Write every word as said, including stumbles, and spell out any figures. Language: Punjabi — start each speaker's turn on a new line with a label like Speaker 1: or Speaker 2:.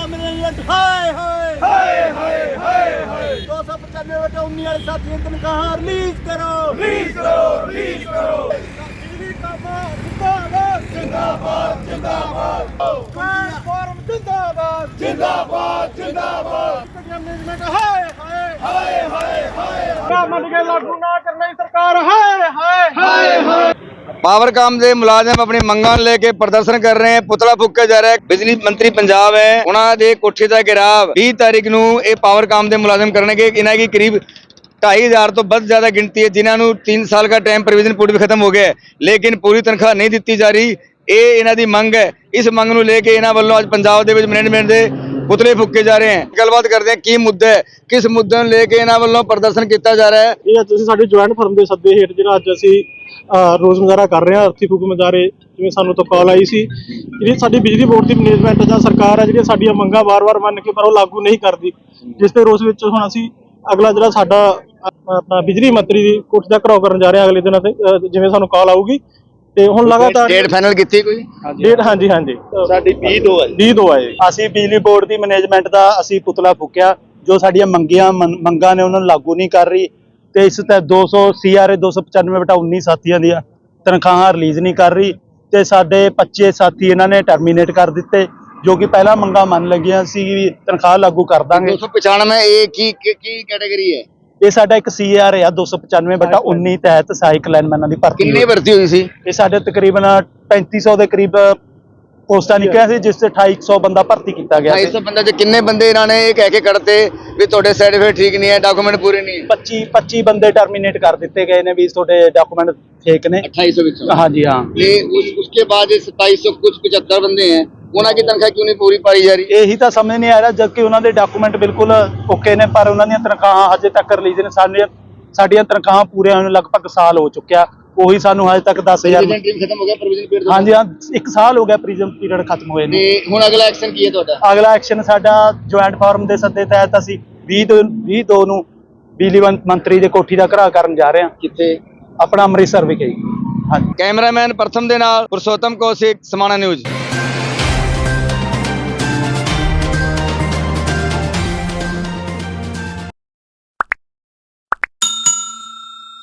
Speaker 1: का मिलियन हाय हाय हाय हाय हाय हाय दो सौ पचानवे बटे उन्नीस वाले साथियों तनख्वाह रिलीज करो रिलीज करो रिलीज करो बिजली का मार जिंदाबाद जिंदाबाद जिंदाबाद ट्रांसफार्म जिंदाबाद जिंदाबाद जिंदाबाद मैनेजमेंट हाय हाय हाय हाय हाय मन के लागू ना करने सरकार हाय हाय हाय हाय
Speaker 2: पावरकाम ਦੇ ਮੁਲਾਜ਼ਮ ਆਪਣੀ ਮੰਗਾਂ ਲੈ ਕੇ ਪ੍ਰਦਰਸ਼ਨ ਕਰ ਰਹੇ ਹਨ। ਪੁਤਲਾ ਫੂਕਿਆ ਜਾ ਰਿਹਾ ਹੈ। ਬਿਜਲੀ ਮੰਤਰੀ ਪੰਜਾਬ ਹੈ, ਉਹਨਾਂ ਦੇ ਕੋਠੇ ਦਾ ਘਿਰਾਵ बीस ਤਾਰੀਖ ਨੂੰ ਇਹ ਪਾਵਰਕਾਮ ਦੇ ਮੁਲਾਜ਼ਮ ਕਰਨਗੇ। ਇਹਨਾਂ ਦੀ ਕਰੀਬ ढाई हजार तो बहुत ज्यादा गिनती है जिन्होंने तीन साल का टाइम प्रोविजन पूरी भी खत्म हो गया है लेकिन पूरी तनख्वाह नहीं दी जा रही। ਇਹ ਇਹਨਾਂ ਦੀ ਮੰਗ ਹੈ। ਇਸ ਮੰਗ ਨੂੰ ਲੈ ਕੇ ਇਹਨਾਂ ਵੱਲੋਂ ਅੱਜ ਪੰਜਾਬ ਦੇ ਵਿੱਚ ਮੈਨੇਜਮੈਂਟ ਦੇ ਪੁਤਲੇ ਫੂਕੇ ਜਾ ਰਹੇ ਹਨ। ਗੱਲਬਾਤ ਕਰਦੇ ਹਾਂ ਕੀ ਮੁੱਦਾ ਹੈ, ਕਿਸ ਮੁੱਦੇ ਨੂੰ ਲੈ ਕੇ ਇਹਨਾਂ ਵੱਲੋਂ ਪ੍ਰਦਰਸ਼ਨ ਕੀਤਾ ਜਾ ਰਿਹਾ ਹੈ।
Speaker 3: ਇਹ ਅੱਜ ਅਸੀਂ ਸਾਡੇ ਜੁਆਇੰਟ ਫਰਮ ਦੇ ਸੱਦੇ ਹੇਠ ਜਿਹੜਾ ਅੱਜ ਅਸੀਂ ਰੋਜ਼ ਮੁਜ਼ਾਹਰਾ ਕਰ ਰਹੇ ਹਾਂ। ਅਰਥੀ ਫੂਕ ਮੁਜ਼ਾਹਰੇ ਜਿਵੇਂ ਸਾਨੂੰ ਤੋਂ ਕਾਲ ਆਈ ਸੀ, ਜਿਹੜੀ ਸਾਡੀ ਬਿਜਲੀ ਬੋਰਡ ਦੀ ਮੈਨੇਜਮੈਂਟ ਜਾਂ ਸਰਕਾਰ ਹੈ ਜਿਹੜੀਆਂ ਸਾਡੀਆਂ ਮੰਗਾਂ ਵਾਰ-ਵਾਰ ਮੰਨ ਕੇ ਪਰ ਉਹ ਲਾਗੂ ਨਹੀਂ ਕਰਦੀ, ਜਿਸ ਦੇ ਰੋਸ ਵਿੱਚ ਹੁਣ ਅਸੀਂ ਅਗਲਾ ਜਿਹੜਾ ਸਾਡਾ ਆਪਣਾ ਬਿਜਲੀ ਮੰਤਰੀ ਦੀ ਕੋਠੀ ਦਾ ਘਿਰਾਓ ਕਰਨ ਜਾ ਰਹੇ ਹਾਂ ਅਗਲੇ ਦਿਨਾਂ ਤੇ ਜਿਵੇਂ ਸਾਨੂੰ ਕਾਲ ਆਊਗੀ। ਤੇ ਹੁਣ ਲਗਾਤਾਰ
Speaker 2: ਡੇਟ ਫਾਈਨਲ ਕੀਤੀ ਕੋਈ
Speaker 3: ਡੇਟ ਹਾਂਜੀ ਹਾਂਜੀ
Speaker 4: ਸਾਡੀ ਵੀਹ ਦੋ ਹੈ
Speaker 3: ਵੀਹ ਦੋ ਹੈ।
Speaker 4: ਅਸੀਂ ਬਿਜਲੀ ਬੋਰਡ ਦੀ ਮੈਨੇਜਮੈਂਟ ਦਾ ਅਸੀਂ ਪੁਤਲਾ ਫੂਕਿਆ, ਜੋ ਸਾਡੀਆਂ ਮੰਗੀਆਂ ਮੰਗਾਂ ਨੇ ਉਹਨਾਂ ਨੂੰ ਲਾਗੂ ਨਹੀਂ ਕਰ ਰਹੀ ਤੇ ਇਸ ਤੇ ਦੋ ਸੌ ਸੀ ਆਰ ਏ ਦੋ ਸੌ ਪਚਾਨਵੇਂ ਬਟਾ ਉੱਨੀ ਸਾਥੀਆਂ ਦੀਆਂ ਤਨਖਾਹਾਂ ਰਿਲੀਜ਼ ਨਹੀਂ ਕਰ ਰਹੀ ਤੇ ਸਾਡੇ ਪੱਚੀ ਸਾਥੀ ਇਹਨਾਂ ਨੇ ਟਰਮੀਨੇਟ ਕਰ ਦਿੱਤੇ, ਜੋ ਕਿ ਪਹਿਲਾਂ ਮੰਗਾਂ ਮੰਨ ਲੱਗੀਆਂ ਸੀ ਵੀ ਤਨਖਾਹ ਲਾਗੂ ਕਰ ਦਾਂਗੇ।
Speaker 2: दो सौ पचानवे ਇਹ ਕੀ ਕੀ ਕੈਟਾਗਰੀ ਹੈ?
Speaker 4: ਇਹ ਸਾਡਾ ਇੱਕ ਸੀ ਆਰ ਏ ਆ ਦੋ ਸੌ ਪਚਾਨਵੇਂ ਬਟਾ ਉੱਨੀ ਤਹਿਤ ਸਹਾਇਕ ਲਾਈਨਮੈਨਾਂ ਦੀ ਭਰਤੀ
Speaker 2: ਕਿੰਨੀ ਭਰਤੀ ਹੋਈ ਸੀ?
Speaker 4: ਇਹ ਸਾਡੇ ਤਕਰੀਬਨ ਪੈਂਤੀ ਸੌ ਦੇ ਕਰੀਬ ਪੋਸਟਾਂ ਨਿਕਲੀਆਂ ਸੀ, ਜਿਸ ਤੇ ਅਠਾਈ ਸੌ ਬੰਦਾ ਭਰਤੀ ਕੀਤਾ ਗਿਆ
Speaker 2: ਢਾਈ ਸੌ ਬੰਦੇ ਚ ਕਿੰਨੇ ਬੰਦੇ ਇਹਨਾਂ ਨੇ ਇਹ ਕਹਿ ਕੇ ਕੱਢਤੇ ਵੀ ਤੁਹਾਡੇ ਸਰਟੀਫਿਕੇਟ ਠੀਕ ਨਹੀਂ ਹੈ, ਡਾਕੂਮੈਂਟ ਪੂਰੇ ਨਹੀਂ ਹੈ?
Speaker 4: ਪੱਚੀ ਪੱਚੀ ਬੰਦੇ ਟਰਮੀਨੇਟ ਕਰ ਦਿੱਤੇ ਗਏ ਨੇ ਵੀ ਤੁਹਾਡੇ ਡਾਕੂਮੈਂਟ ਫੇਕ ਨੇ।
Speaker 2: अट्ठाईस सौ ਵਿੱਚੋਂ
Speaker 4: ਹਾਂਜੀ ਹਾਂ।
Speaker 2: ले उस उसके बाद सत्ताईस सौ कुछ पचहत्तर बंदे हैं, ਉਹਨਾਂ ਦੀ ਤਨਖਾਹ ਕਿਉਂ ਨਹੀਂ ਪੂਰੀ ਪਾਈ ਜਾ ਰਹੀ?
Speaker 4: ਇਹੀ ਤਾਂ ਸਮਝ ਨਹੀਂ ਆ ਰਿਹਾ, ਜਦਕਿ ਉਹਨਾਂ ਦੇ ਡਾਕੂਮੈਂਟ ਬਿਲਕੁਲ ਓਕੇ ਨੇ ਪਰ ਉਹਨਾਂ ਦੀਆਂ ਤਨਖਾਹਾਂ ਹਜੇ ਤੱਕ ਰਿਲੀਜ਼ ਨੇ। ਸਾਡੀਆਂ ਸਾਡੀਆਂ ਤਨਖਾਹਾਂ ਪੂਰੇ ਹੋਣ ਨੂੰ ਲਗਭਗ ਸਾਲ ਹੋ ਚੁੱਕਿਆ, ਉਹੀ ਸਾਨੂੰ ਹਜੇ ਤੱਕ ਦਸ ਹਜ਼ਾਰ
Speaker 2: ਖਤਮ ਹੋ ਗਿਆ ਪ੍ਰੋਵੀਜ਼ਨ ਪੀਰੀਅਡ?
Speaker 4: ਹਾਂਜੀ ਹਾਂ, ਇੱਕ ਸਾਲ ਹੋ ਗਿਆ ਪ੍ਰੀਜ਼ਮ ਪੀਰੀਅਡ ਖਤਮ ਹੋਏ ਨੇ।
Speaker 2: ਤੇ ਹੁਣ ਅਗਲਾ ਐਕਸ਼ਨ ਕੀ ਹੈ ਤੁਹਾਡਾ?
Speaker 4: ਅਗਲਾ ਐਕਸ਼ਨ ਸਾਡਾ ਜੁਆਇੰਟ ਫਾਰਮ ਦੇ ਸੱਦੇ ਤਹਿਤ ਅਸੀਂ ਵੀਹ ਦੋ ਵੀਹ ਦੋ ਨੂੰ ਬਿਜਲੀ ਮੰਤਰੀ ਦੇ ਕੋਠੀ ਦਾ ਘਿਰਾਓ ਕਰਨ ਜਾ ਰਹੇ ਹਾਂ।
Speaker 2: ਕਿੱਥੇ?
Speaker 4: ਆਪਣਾ ਅੰਮ੍ਰਿਤਸਰ ਵਿਖੇ। ਹਾਂਜੀ।
Speaker 2: ਕੈਮਰਾਮੈਨ ਪ੍ਰਥਮ ਦੇ ਨਾਲ ਪੁਰਸ਼ੋਤਮ ਕੌਸ਼ਿਕ, ਸਮਾਣਾ ਨਿਊਜ਼।